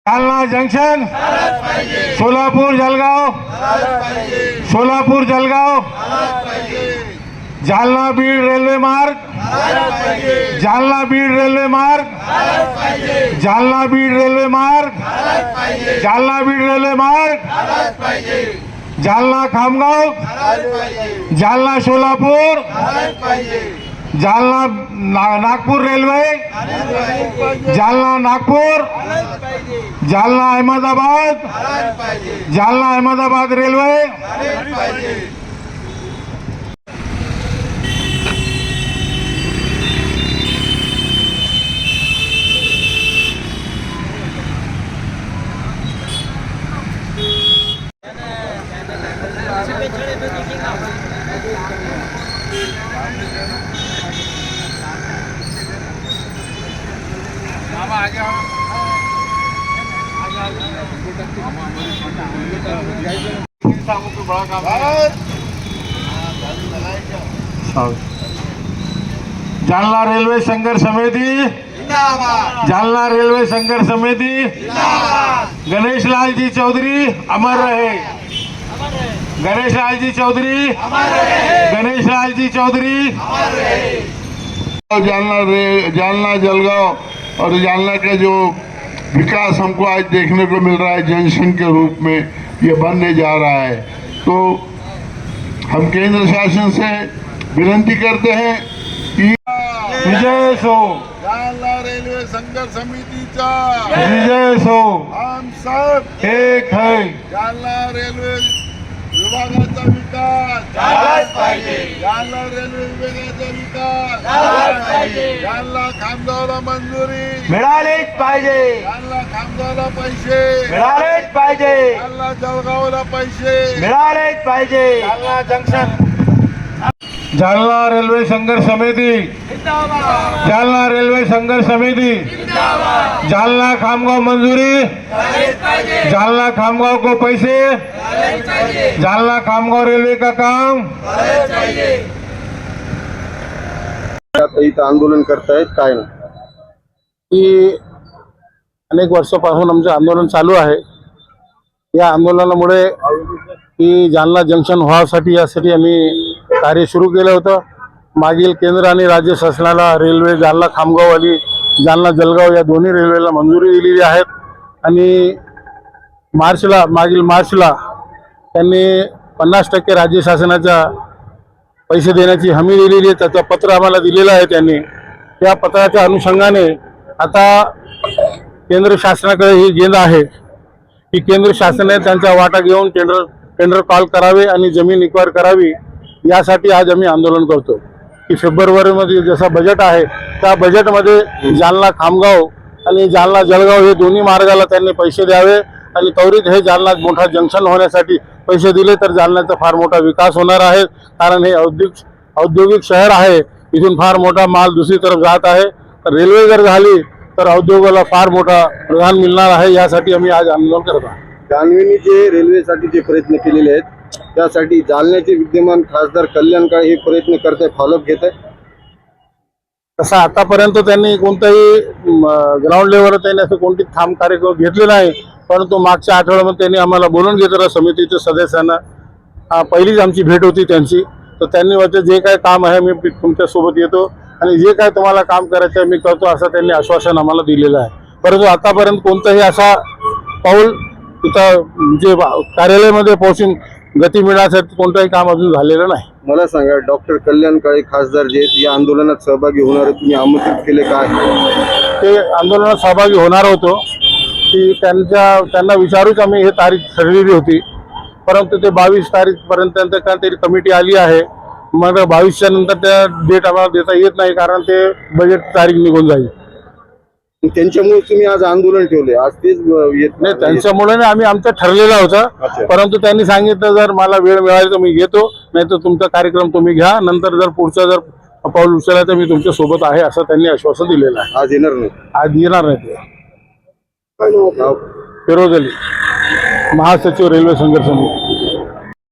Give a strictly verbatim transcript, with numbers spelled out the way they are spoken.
Jalna junction, Solapur Jalgaon, Solapur Jalgaon, Jalna Beed railway मार्ग, Jalna Beed railway मार्ग, Jalna Beed railway मार्ग, जालना बीड रेल्वे मार्ग, Jalna Khamgaon, Jalna Solapur, Jalna Nagpur railway, Jalna Nagpur, Jalna Ahmedabad, Jalna Ahmedabad railway, Jalna railway संघर्ष समिती, जालना रेल्वे संघर्ष समिती, गणेश लाल जी चौधरी अमर रहे, गणेश लाल जी चौधरी, गणेश लाल जी चौधरी। जालना रे जालना जलगांव और जालना का जो विकास हमको आज देखने को मिल रहा है जंक्शन के रूप में ये बनने जा रहा है, तो हम केंद्र शासन से विनती करते हैं कि विजय सो जालना रेलवे संघर्ष समितीचा विजय सो हम सब एक है। जालना रेल्वे विभागाचा विकास झालाच पाहिजे, जालना रेल्वे विभागाचा विकास झालाच पाहिजे, जालना खामगावला मंजुरी मिळालीच पाहिजे, जालना खामगावला पैसे मिळालेच पाहिजे, जालना जळगावला पैसे मिळालेच पाहिजे। जालना जंक्शन, जालना रेल्वे संघर्ष समिती, जालना रेल्वे संघर्ष समिती, जालना खामगाव मंजूरी, जालना खामगाव को पैसे, जालना खामगाव रेल्वे का काम। इथं आंदोलन करतायत काय ना की अनेक वर्षापासून आमचं आंदोलन चालू आहे। या आंदोलनामुळे की जालना जंक्शन व्हावसाठी यासाठी आम्ही कार्य सुरू केलं होतं। मागील केंद्र आणि राज्य शासनाला रेल्वे जालना खामगाव आणि जालना जलगाव या दोन्ही रेल्वेला मंजुरी दिलेली आहेत आणि मार्चला मागील मार्चला त्यांनी पन्नास टक्के राज्य शासनाचा पैसे देण्याची हमी दिलेली आहे। त्याचं पत्र आम्हाला दिलेलं आहे त्यांनी। त्या पत्राच्या अनुषंगाने आता केंद्र शासनाकडे ही गेंद आहे की केंद्र शासनाने त्यांचा वाटा घेऊन टेंडर टेंडर कॉल करावे आणि जमीन एक्वायर करावी। यासाठी आज आम्ही आंदोलन करतो की फेब्रुवारीमध्ये जसं बजेट आहे त्या बजेटमध्ये जालना खामगाव आणि जालना जळगाव हे दोन्ही मार्गाला त्यांनी पैसे द्यावे आणि त्वरित हे जालना मोठा जंक्शन होण्यासाठी पैसे दिले तर जालन्याचा फार मोठा विकास होणार आहे। कारण हे औद्योगिक औद्योगिक शहर आहे, इथून फार मोठा माल दुसरी तरफ जात आहे। तर रेल्वे जर झाली तर उद्योगाला फार मोठा प्रधान मिळणार आहे। यासाठी आम्ही आज आंदोलन करत आहोत। जान्हवींनी जे रेल्वेसाठी जे प्रयत्न केलेले आहेत त्यासाठी जालन्याचे विद्यमान खासदार कल्याण काळे हे प्रयत्न करत आहे, फॉलोअप घेत आहे। तसं आतापर्यंत त्यांनी कोणताही ग्राउंड लेवलवर त्यांनी असं कोणती ठाम कार्यक्रम घेतले नाही, परंतु मागच्या आठवड्यामध्ये त्यांनी आम्हाला बोलून घेतलं समितीच्या सदस्यांना। पहिलीच आमची भेट होती त्यांची, तर त्यांनी म्हटलं जे काय काम आहे मी तुमच्यासोबत येतो आणि जे काय तुम्हाला काम करायचं आहे मी करतो असं त्यांनी आश्वासन आम्हाला दिलेलं आहे। परंतु आतापर्यंत कोणतंही असा पाऊल तिथं जे कार्यालयामध्ये पोहोचून गती मिळण्यासाठी कोणतंही काम अजून झालेलं नाही। मला सांगा, डॉक्टर कल्याण काळे खासदार जे या आंदोलनात सहभागी होणार तुम्ही आमंत्रित केले काय? ते आंदोलनात सहभागी होणार होतो की त्यांच्या त्यांना विचारूच आम्ही हे तारीख ठरलेली होती, परंतु ते बावीस तारीखपर्यंत तरी कमिटी आली आहे। मग बावीसच्या नंतर त्या डेट आम्हाला देता येत नाही कारण ते बजेट तारीख निघून जाईल। त्यांच्यामुळे तुम्ही आज आंदोलन ठेवले, आज तेच येत नाही त्यांच्यामुळे आम्ही आमचं ठरलेलं होतं, परंतु त्यांनी सांगितलं जर मला वेळ मिळाली तर मी घेतो, नाही तर तुमचा कार्यक्रम तुम्ही घ्या, नंतर जर पुढचा जर पाऊल उचलला तर मी तुमच्या सोबत आहे असं त्यांनी आश्वासन दिलेलं आहे। आज येणार नाही? आज येणार नाही ते। फिरोज अली, महासचिव रेल्वे संघर्ष समिती।